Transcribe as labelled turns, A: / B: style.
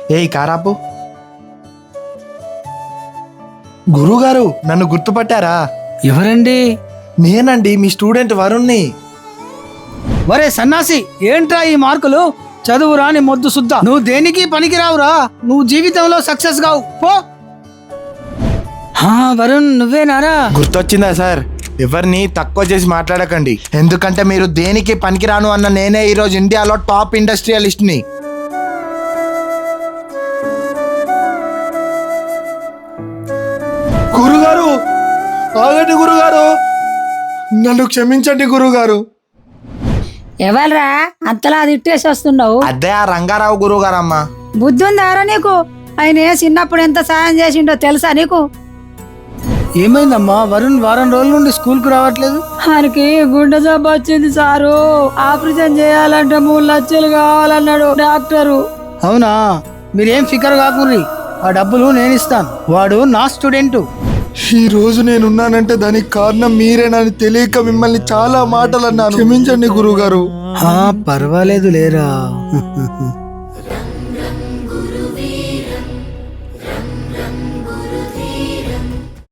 A: ఏయ్ కారాపు. గురుగారు నన్ను గుర్తుపట్టారా?
B: ఎవరండి?
A: నేనండి మీ స్టూడెంట్ వరుణ్ణి.
B: వరే సన్నాసి, ఏంట్రా ఈ మార్కులు? చదువు రాని మొద్దు సుద్ద, నువ్వు దేనికి పనికిరావురా. నువ్వు జీవితంలో సక్సెస్ కావు, పో. వరుణ్ నువ్వేనారా?
A: గుర్తొచ్చిందా సార్? ఎవరిని తక్కువ చేసి మాట్లాడకండి, ఎందుకంటే మీరు దేనికి పనికిరాను అన్న నేనే ఈరోజు ఇండియాలో టాప్ ఇండస్ట్రియలిస్ట్ని. గురుగారు ఆగండి గురుగారు, నన్ను క్షమించండి గురుగారు.
C: ఎవరా అంతలా తిట్టేసి వస్తున్నావు?
A: అదే ఆ రంగారావు గురుగారమ్మా.
C: బుద్ధి ఉందారా నీకు? ఆయన చిన్నప్పుడు ఎంత సాయం చేసిండో తెలుసా నీకు?
B: ఏమైందమ్మా? వరుణ్ వారం రోజుల నుండి స్కూల్ కు రావట్లేదు.
C: ఆయనకి గుండె జబ్బు వచ్చింది సారు. ఆపరేషన్ చేయాలంటే 3 లక్షలు కావాలన్నాడు డాక్టరు.
B: అవునా? మీరేం ఫికర్ కాకుర్రి, ఆ డబ్బులు నేను ఇస్తాను. వాడు నా స్టూడెంట్.
A: ఈ రోజు నేనున్నానంటే దానికి కారణం మీరేనని తెలియక మిమ్మల్ని చాలా మాటలు అన్నాను, క్షమించండి గురుగారు.
B: పర్వాలేదు లేరా.